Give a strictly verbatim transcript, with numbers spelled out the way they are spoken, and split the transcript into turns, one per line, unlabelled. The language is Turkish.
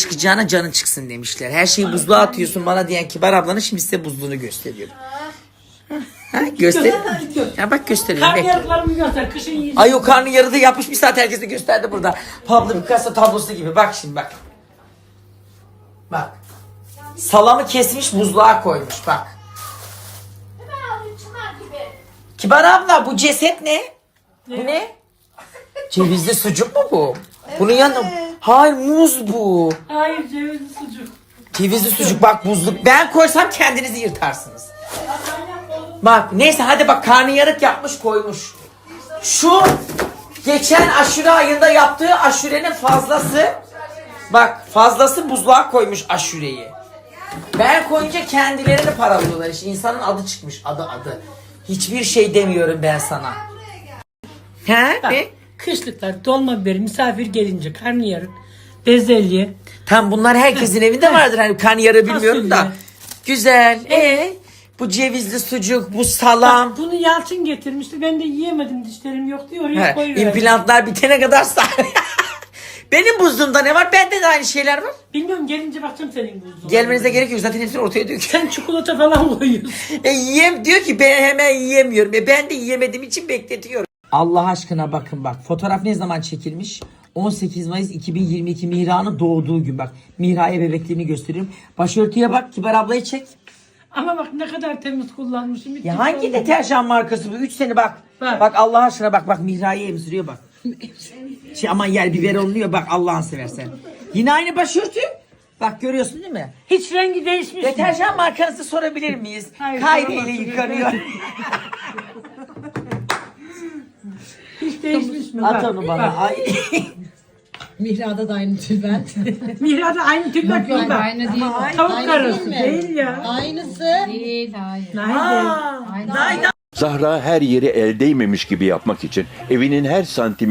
çıkacağına canın çıksın demişler. Her şeyi buzluğa atıyorsun bana diyen Kibar ablanın şimdi size buzluğunu gösteriyorum. Ha, göster. Ya bak gösteriyorum.
Karnıyarıklarımı göster. Kışın yiyeceğim.
Ay o karnı yarıda yapmış bir saat herkese gösterdi burada. Pablo Picasso tablosu gibi. Bak şimdi bak. Bak. Salamı kesmiş buzluğa koymuş bak. Kibar abla bu ceset ne? Bu ne? Cevizli sucuk mu bu? Bunun yanında... Hayır muz bu.
Hayır cevizli sucuk.
Cevizli sucuk bak buzluk. Ben koysam kendinizi yırtarsınız. Bak neyse hadi bak karnıyarık yapmış koymuş. Şu geçen aşure ayında yaptığı aşurenin fazlası. Bak fazlası buzluğa koymuş aşureyi. Ben koyunca kendilerini paralıyorlar işte. İnsanın adı çıkmış adı adı. Hiçbir şey demiyorum ben sana. He?
Bak,
Ne?
kışlıklar, dolma biberi, misafir gelince karnıyarık, bezelye.
Tam bunlar herkesin evinde vardır. Hani karnıyarığı bilmiyorum da.
Fasulye.
Güzel. E bu cevizli sucuk, bu salam.
Bak, bunu Yalçın getirmişti. Ben de yiyemedim, dişlerim yok diye oraya
He,
koyuverdim.
implantlar bitene kadar sağ. Benim buzluğumda ne var? Bende de aynı şeyler var.
Bilmiyorum, gelince bakacağım senin buzdolabına.
Gelmenize gerek yok. Zaten hepsini ortaya döküyor.
Sen çikolata falan koyuyorsun.
E, yiyem diyor ki ben hemen yiyemiyorum. E, ben de yiyemediğim için bekletiyorum. Allah aşkına bakın bak. Fotoğraf ne zaman çekilmiş? on sekiz Mayıs iki bin yirmi iki Mihra'nın doğduğu gün bak. Mihra'ya bebekliğini gösteriyorum. Başörtüye bak. Kibar ablayı çek.
Ama bak ne kadar temiz kullanmışım. Hiç
Ya
hiç
hangi
olmadı.
deterjan markası bu? üç sene bak. Bak.
Bak.
Allah aşkına bak. Bak Mihra'yı emziriyor bak. Şey, aman yer biber oluyor bak Allah'ını seversen. Yine aynı başörtü. Bak görüyorsun değil mi?
Hiç rengi değişmiş.
Deterjan markası sorabilir miyiz?
Hayır,
Kayri
soramazsın.
ile yıkanıyor.
Hiç değişmiş mi?
At
Bak,
onu bana.
bak.
Ay.
Mihra'da da aynı tülbent.
Mihra'da aynı tip bak.
Yok,
bak.
aynı değil.
Tavuk
Aynı
karısı
değil mi?
değil ya.
Aynısı.
Değil, hayır.
Nerede?
Aa,
Aynen.
Nayda.
Zahra her yeri el değmemiş gibi yapmak için evinin her santim